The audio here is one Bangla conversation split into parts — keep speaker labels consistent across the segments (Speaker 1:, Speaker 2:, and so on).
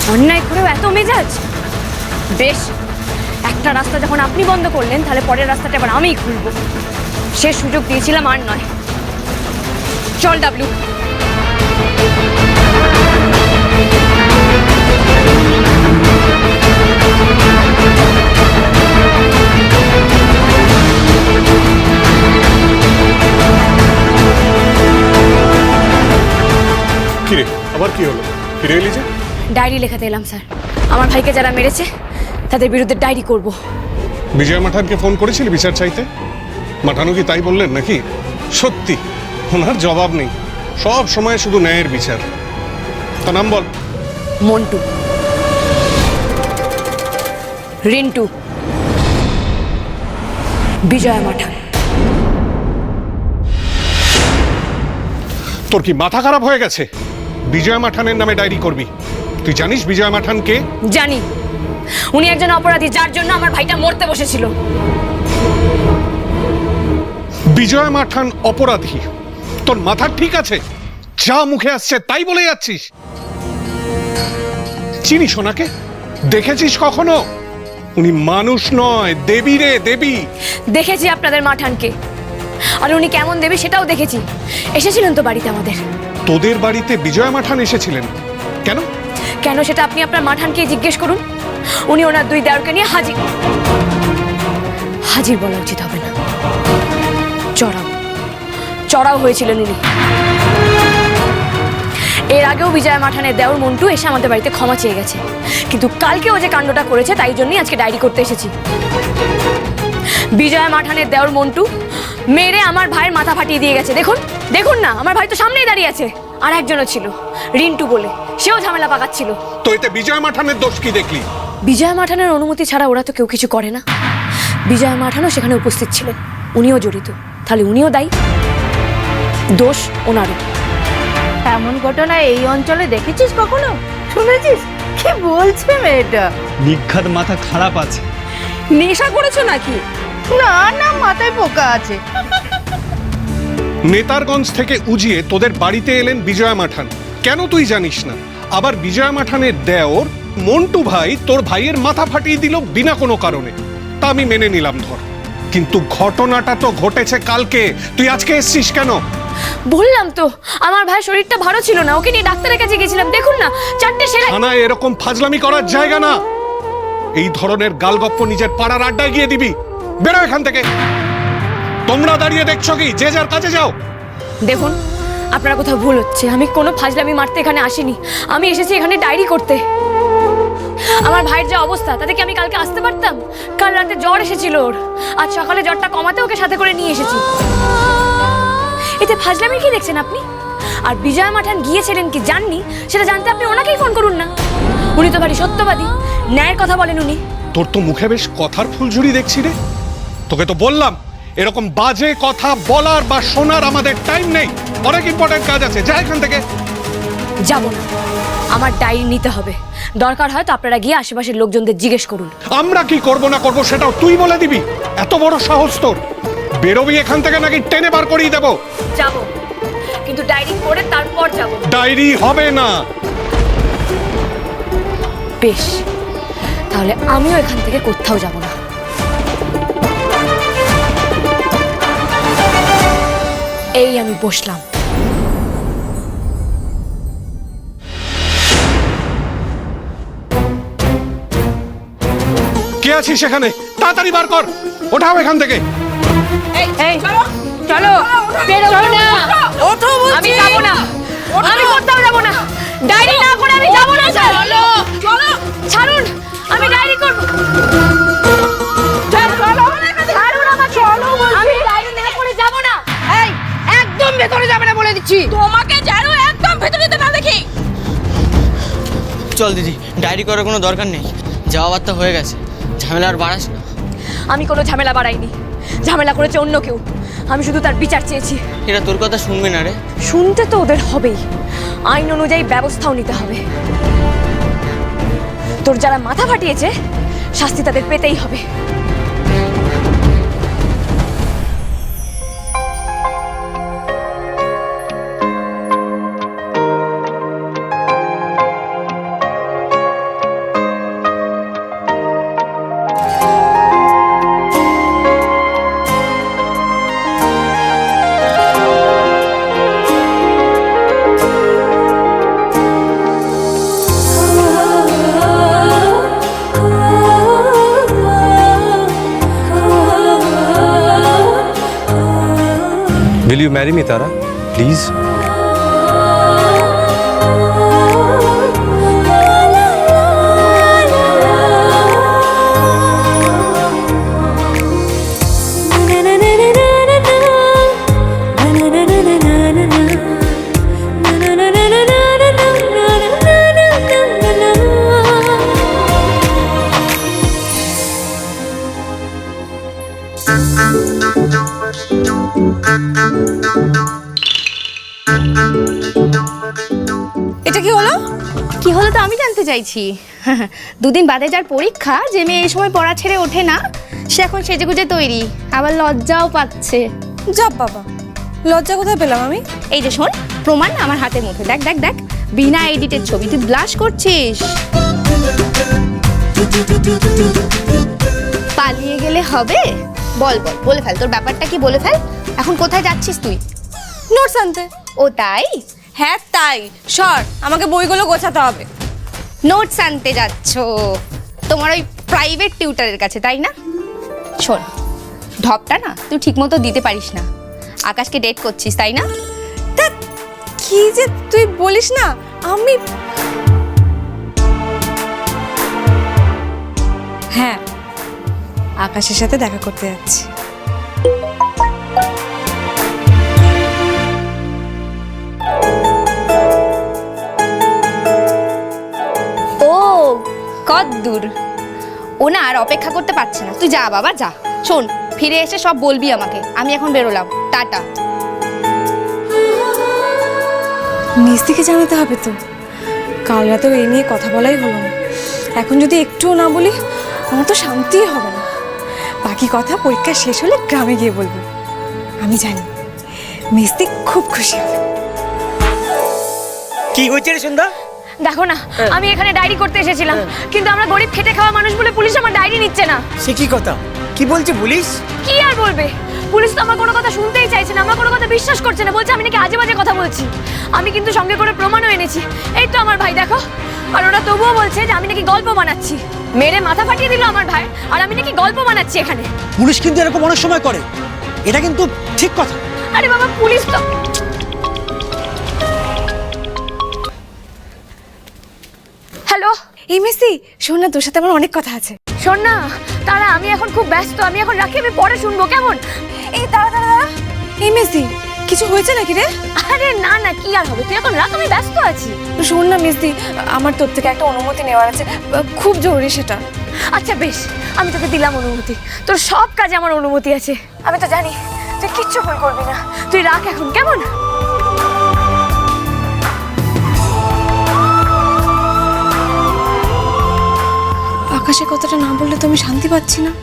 Speaker 1: অন্যায় করেও এত মেজাজ? বেশ, একটা রাস্তা যখন আপনি বন্ধ করলেন, তাহলে পরের রাস্তাটা এবার আমিই খুলব। সে সুযোগ দিয়েছিলাম আর নয়। চল ডাবলু।
Speaker 2: কিরে, আবার কি হলো? ফিরে এলি যে?
Speaker 1: ডায়েরি লেখাতে এলাম স্যার। আমার ভাইকে যারা মেরেছে তাদের বিরুদ্ধে ডায়েরি করব।
Speaker 2: বিজয় মাঠানকে ফোন করেছিলি বিচার চাইতে? মাঠানো কি তাই বললেন নাকি? সত্যি ওনার জবাব নেই, সব সময় শুধু ন্যায়ের বিচার। তার নাম বল।
Speaker 1: মন্টু, রিন্টু, বিজয় মাঠান।
Speaker 2: তোর কি মাথা খারাপ হয়ে গেছে? বিজয় মাঠানের নামে ডায়েরি করবি? তুই জানিস বিজয় মাঠান কে?
Speaker 1: জানি, উনি একজন অপরাধী যার জন্য আমার ভাইটা মরতে বসেছিল।
Speaker 2: বিজয় মাঠান অপরাধী? তোর মাথা ঠিক আছে? যা মুখে আসছে তাই বলে যাচ্ছিস। চিনিস ওনাকে? দেখেছিস কখনো? উনি মানুষ নয়, দেবী রে, দেবী।
Speaker 1: দেখেছি আপনাদের মাঠানকে, আর উনি কেমন দেবী সেটাও দেখেছি। এসেছিলেন তো বাড়িতে আমাদের।
Speaker 2: তোদের বাড়িতে বিজয় মাঠান এসেছিলেন? কেন?
Speaker 1: কেন সেটা আপনি আপনার মাঠানকে জিজ্ঞেস করুন। উনি ওনার দুই দেওরকে নিয়ে হাজির। হাজির বলা উচিত হবে না, চড়াও চড়াও হয়েছিলেন উনি। এর আগেও বিজয় মাঠানের দেওর মন্টু এসে আমাদের বাড়িতে ক্ষমা চেয়ে গেছে, কিন্তু কালকে ও যে কাণ্ডটা করেছে তাই জন্যই আজকে ডায়েরি করতে এসেছি। বিজয় মাঠানের দেওর মন্টু মেরে আমার ভাইয়ের মাথা ফাটিয়ে দিয়ে গেছে। দেখুন দেখুন না, আমার ভাই তো সামনেই দাঁড়িয়ে আছে। আর একজনও ছিল, রিন্টু বলে, সেও ঝামেলা পাকাচ্ছিল।
Speaker 2: তো এতে বিজয় মাঠানের দোষ কি দেখলি?
Speaker 1: বিজয় মাঠানের অনুমতি ছাড়া ওরা তো কেউ কিছু করে না। বিজয় মাঠানও সেখানে উপস্থিত ছিলেন, উনিও জড়িত, তাহলে উনিও দায়ী। দোষ ওনারও।
Speaker 3: এমন ঘটনা এই অঞ্চলে দেখেছিস কখনো? শুনেছিস কি বলছে মেয়েটা?
Speaker 4: নিঘাত মাথা খারাপ আছে।
Speaker 3: নেশা করেছো নাকি? না না, মাথায় পোকা আছে।
Speaker 2: নেতারগঞ্জ থেকে উজিয়ে তোদের বাড়িতে এলেন বিজয় মাঠান, কেন তুই জানিস না? আবার বিজয় মাঠানের দেওর মন্টু ভাই তোর ভাইয়ের মাথা ফাটিয়ে দিল বিনা কোনো কারণে। তা আমি মেনে নিলাম ধর, কিন্তু ঘটনাটা তো ঘটেছে কালকে। তুই আজকে এসছিস কেন?
Speaker 1: বললাম তো আমার ভাইয়ের শরীরটা ভালো ছিল না, ওকে নিয়ে ডাক্তারের কাছে গেছিলাম। দেখুন না, চারটে সেলাই।
Speaker 2: থানায় এরকম ফাজলামি করার জায়গা না। এই ধরনের গালগপ্প নিজের পাড়ার আড্ডায় গিয়ে দিবি? বেরো এখান থেকে। তোমরা দাঁড়িয়ে দেখছো কি? যে যার কাছে যাও।
Speaker 1: দেখুন, আপনার কোথাও ভুল হচ্ছে। আমি কোনো ফাজলামি মারতে এখানে আসিনি, আমি এসেছি এখানে ডায়েরি করতে। আমার ভাইয়ের যে অবস্থা, তাতে কি আমি কালকে আসতে পারতাম? কাল রাতে জ্বর এসেছিল ওর, আজ সকালে জ্বরটা কমাতে ওকে সাথে করে নিয়ে এসেছি। এতে ফাজলামি কি দেখছেন আপনি? আর বিজয় মাঠান গিয়েছিলেন কি জাননি, সেটা জানতে আপনি ওনাকেই ফোন করুন না। উনি তো ভারী সত্যবাদী, ন্যায়ের কথা বলেন উনি।
Speaker 2: তোর তো মুখে বেশ কথার ফুলঝুরি দেখছি রে। তোকে তো বললাম এরকম বাজে কথা বলার বা শোনার আমাদের টাইম নেই, অনেক ইম্পর্টেন্ট কাজ আছে। যা এখান থেকে।
Speaker 1: যাব না, আমার ডায়েরি নিতে হবে। দরকার হয় তো আপনারা গিয়ে আশেপাশের লোকজনদের জিজ্ঞেস করুন।
Speaker 2: আমরা কি করব না করব সেটাও তুই বলে দিবি? এত বড় সাহস তোর? বেরোবি এখান থেকে নাকি টেনে বার করিয়ে দেবো?
Speaker 1: যাব, কিন্তু ডায়েরি করে তারপর যাব।
Speaker 2: ডায়েরি হবে না।
Speaker 1: বেশ, তাহলে আমিও এখান থেকে কোথাও যাব না। এই আমি বসলাম।
Speaker 2: কে আছিস সেখানে? তাড়াতাড়ি বার কর, ওঠাও এখান থেকে।
Speaker 1: এই চলো, বেরো না। আমি যাব না, আমি কোথাও যাব না। ডায়েরি না করে আমি যাব না। চলো চলো, ছাড়ুন, আমি ডায়েরি করব। ছাড়ুন আমাকে, আমি ডায়েরি না করে যাব না।
Speaker 3: এই একদম ভেতরে যাবে না বলে দিচ্ছি। তোমাকে যেন একদম ভেতরে যেতে না দেখি।
Speaker 5: চল দিদি, ডায়েরি করার কোনো দরকার নেই, যাওয়া বার্তা হয়ে গেছে, ঝামেলা আর বাড়াস না।
Speaker 1: আমি কোনো ঝামেলা বাড়াইনি, ঝামেলা করেছে অন্য কেউ। আমি শুধু তার বিচার চেয়েছি।
Speaker 5: এরা তোর কথা শুনবে না রে।
Speaker 1: শুনতে তো ওদের হবেই, আইন অনুযায়ী ব্যবস্থাও নিতে হবে। তোর যারা মাথা ফাটিয়েছে শাস্তি তাদের পেতেই হবে।
Speaker 6: marry me, Tara? Please?
Speaker 7: এটা কি হলো?
Speaker 3: কি হলো তো আমি জানতে চাইছি। দুদিন বাদে যার পরীক্ষা, যে মেয়ে এই সময় পড়া ছেড়ে ওঠে না, সে এখন সেজেগুজে তৈরি, আবার লজ্জাও পাচ্ছে।
Speaker 7: যাব বাবা, লজ্জা কোথায় পেলাম আমি?
Speaker 3: এই যে শোন, প্রমাণ আমার হাতের মধ্যে, দেখ দেখ দেখ, বিনা এডিটের ছবি, তুই ব্লাশ করছিস। পালিয়ে গেলে হবে? বল বল, বলে ফেল, তোর ব্যাপারটা কি বলে ফেল। এখন কোথায় যাচ্ছিস তুই?
Speaker 7: নোটস আনতে।
Speaker 3: ও তাই?
Speaker 7: হ্যাঁ তাই। সর, আমাকে বইগুলো গোছাতে হবে।
Speaker 3: নোটস আনতে যাচ্ছ তোমার ওই প্রাইভেট টিউটারের কাছে, তাই না? শোন, ঢপটা না তুই ঠিক মতো দিতে পারিস না। আকাশকে ডেট করছিস, তাই না?
Speaker 7: তা কি যে তুই বলিস না, আমি হ্যাঁ আকাশের সাথে দেখা করতে যাচ্ছি।
Speaker 3: ও কদ্দূর, ও না আর অপেক্ষা করতে পারছে না, তুই যা বাবা যা। শোন, ফিরে এসে সব বলবি আমাকে। আমি এখন বেরোলাম, টাটা।
Speaker 7: মিস্ত্রিকে জানাতে হবে তো, কাল রাতেও এই নিয়ে কথা বলাই হলো না। এখন যদি একটুও না বলি, আমার তো শান্তিই হবে না। বাকি কথা পরীক্ষা শেষ হলে গ্রামে গিয়ে বলবো। আমি জানি মিস্ত্রি খুব খুশি হবে।
Speaker 8: কি হয়েছে রে সন্ধ্যা?
Speaker 1: দেখো না, আমি এখানে ডায়েরি করতে এসেছিলাম, কিন্তু আমরা গরিব খেটে খাওয়া মানুষ বলে পুলিশ আমার ডায়েরি নিচ্ছে না।
Speaker 8: সে কি কথা? কি বলছে পুলিশ?
Speaker 1: কি আর বলবে, পুলিশ তো আমার কোনো কথা শুনতেই চাইছে না, আমার কোনো কথা বিশ্বাস করছে না, বলছে আমি নাকি আজে বাজে কথা বলছি। আমি কিন্তু সঙ্গে করে প্রমাণও এনেছি, এই তো আমার ভাই দেখো। আর ওরা তবুও বলছে যে আমি নাকি গল্প বানাচ্ছি। মেরে মাথা ফাটিয়ে দিল আমার ভাই, আর আমি নাকি গল্প বানাচ্ছি এখানে।
Speaker 9: পুলিশ কিন্তু এরকম অনেক সময় করে, এটা কিন্তু ঠিক কথা।
Speaker 1: আরে বাবা, পুলিশ তো হ্যালো।
Speaker 7: এই মিস্ত্রি শোন না, তোর সাথে আমার অনেক কথা আছে।
Speaker 1: শোন না তারা, আমি এখন খুব ব্যস্ত, আমি এখন রাখি, আমি পরে শুনবো কেমন?
Speaker 7: এই দাঁড়া দাঁড়া দাঁড়া, এই মিস্ত্রি কিছু হয়েছে নাকি রে?
Speaker 1: আরে না না, কি আর হবে, তুই এখন রাখ, আমি ব্যস্ত আছি।
Speaker 7: শোন না মিস্ত্রি, আমার তোর থেকে একটা অনুমতি নেওয়ার আছে, খুব জরুরি সেটা।
Speaker 1: আচ্ছা বেশ, আমি তোকে দিলাম অনুমতি, তোর সব কাজে আমার অনুমতি আছে। আমি তো জানি তুই কিচ্ছু ভুল করবি না, তুই রাখ এখন কেমন?
Speaker 7: আকাশে কথাটা না বললে তো আমি শান্তি পাচ্ছি না।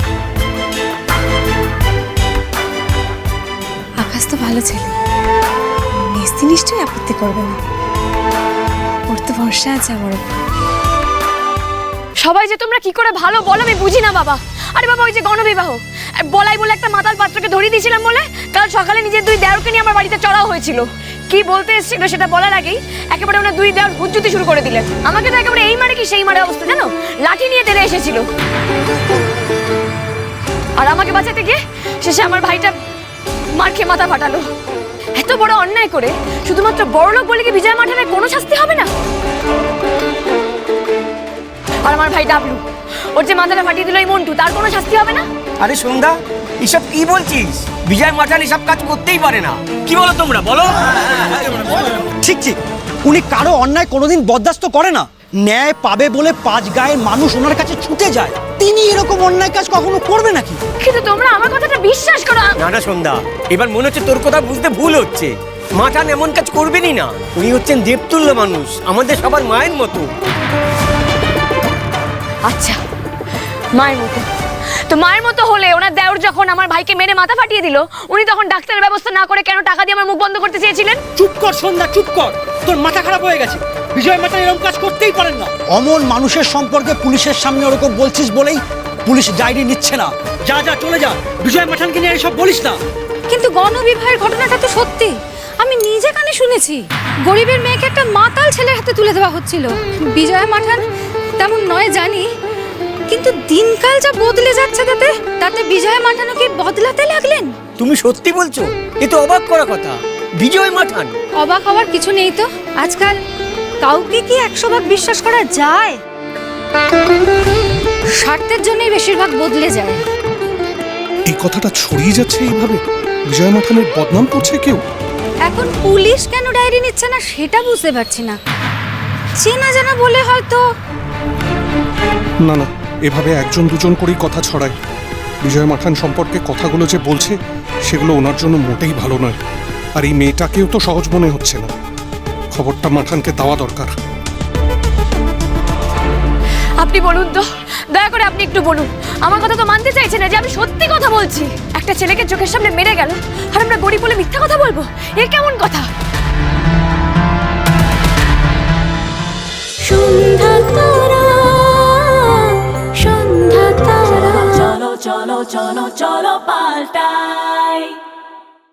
Speaker 7: আকাশ তো ভালো ছেলে, মিস্ত্রি নিশ্চয়ই আপত্তি করবে না, ওর তো ভরসা আছে আমার উপর।
Speaker 1: সবাই যে তোমরা কি করে ভালো বলো আমি বুঝি না বাবা। আরে বাবা, ওই যে গণবিবাহ বলাই বলে একটা মাতাল পাত্রকে ধরিয়ে দিয়েছিলাম বলে কাল সকালে নিজের দুই দেওরকে নিয়ে আমার বাড়িতে চড়াও হয়েছিল। কি বলতে এসেছিল সেটা বলার আগেই একেবারে ওনার দুই দেওর হুজ্জুতি শুরু করে দিলেন। আমাকে তো একেবারে এই মারে কি সেই মারে অবস্থা, জানো, লাঠি নিয়ে তেড়ে এসেছিল। আর আমাকে বাঁচাতে গিয়ে শেষে আমার ভাইটা মার খেয়ে মাথা ফাটালো। এত বড় অন্যায় করে শুধুমাত্র বড়লোক বলে কি বিজয় মাঠানের কোনো শাস্তি হবে না? আর আমার ভাই ডাবলু, ওর যে মাথাটা ফাটিয়ে দিল এই মন্টু, তার কোনো শাস্তি হবে না?
Speaker 8: আরে সন্ধ্যা, এসব কি বলছিস? বিজয় মাঠান এসব কাজ করতেই পারে না। কি বলো তোমরা, বলো?
Speaker 9: ঠিক ঠিক, উনি কারো অন্যায় কোনোদিন বরদাস্ত করে না। ন্যায় পাবে বলে পাঁচ গায়ের মানুষ ওনার কাছে ছুটে যায়, তিনি এরকম অন্যায় কাজ কখনো করবে নাকি?
Speaker 1: কিন্তু তোমরা আমার কথাটা বিশ্বাস করো।
Speaker 8: না না সন্ধ্যা, এবার মনে হচ্ছে তোর কথা বুঝতে ভুল হচ্ছে। মাঠান এমন কাজ করবেনই না। উনি হচ্ছেন দেবতুল্য মানুষ, আমাদের সবার মায়ের মতো।
Speaker 1: আচ্ছা, মায়ের মতো তো মায়ের মতো হলে ওনার দেওর যখন আমার ভাইকে মেরে মাথা ফাটিয়ে দিল, উনি তখন ডাক্তারের ব্যবস্থা না করে কেন টাকা দিয়ে আমার মুখ বন্ধ করতে চেয়েছিলেন?
Speaker 9: চুপ কর সন্ধ্যা, চুপ কর, তোর মাথা খারাপ হয়ে গেছে। বিজয় মাঠান এরকম কাজ করতেই পারেন না। অমন মানুষের সম্পর্কে পুলিশের সামনে ওরকম বলছিস বলেই পুলিশ ডায়েরি নিচ্ছে না। যা যা, চলে যা, বিজয় মাঠানকে নিয়ে এসব বলিস না।
Speaker 10: কিন্তু গণবিবাহের ঘটনাটা তো সত্যি, আমি নিজে কানে শুনেছি। গরিবের মেয়েকে একটা মাতাল ছেলের হাতে তুলে দেওয়া হচ্ছিল। বিজয় মাঠান তেমন নয় জানি, কিন্তু দিনকাল যা বদলে যাচ্ছে তাতে বিজয় মাঠানও কি বদলাতে লাগলেন?
Speaker 8: তুমি সত্যি বলছো? এ তো অবাক করা কথা। বিজয় মাঠান।
Speaker 10: অবাক হওয়ার কিছু নেই তো। আজকাল কাউকে কি 100 ভাগ বিশ্বাস করা যায়? স্বার্থের জন্যই বেশিরভাগ বদলে যায়।
Speaker 2: এই কথাটা ছড়িয়ে যাচ্ছে এইভাবে, বিজয় মাঠানের বদনাম করছে কেউ।
Speaker 10: এখন পুলিশ কেন ডায়েরি নিচ্ছে না সেটা বুঝতে পারছি না। চেনা জানা বলে হয়তো।
Speaker 2: না না, এভাবে একজন দুজন করেই কথা ছড়ায়। বিজয় মাঠান সম্পর্কে কথাগুলো যে বলছে সেগুলো ওনার জন্য মোটেই ভালো নয়। আর এই মেয়েটাকেও তো সহজ মনে হচ্ছে না। খবরটা মাঠানকে দেওয়া দরকার।
Speaker 1: আপনি বলুন তো, দয়া করে আপনি একটু বলুন। আমার কথা তো মানতে চাইছে না যে আমি সত্যি কথা বলছি। একটা ছেলেকে চোখের সামনে মেরে গেল আর আমরা গরিব বলে মিথ্যা কথা বলবো? এ কেমন কথা?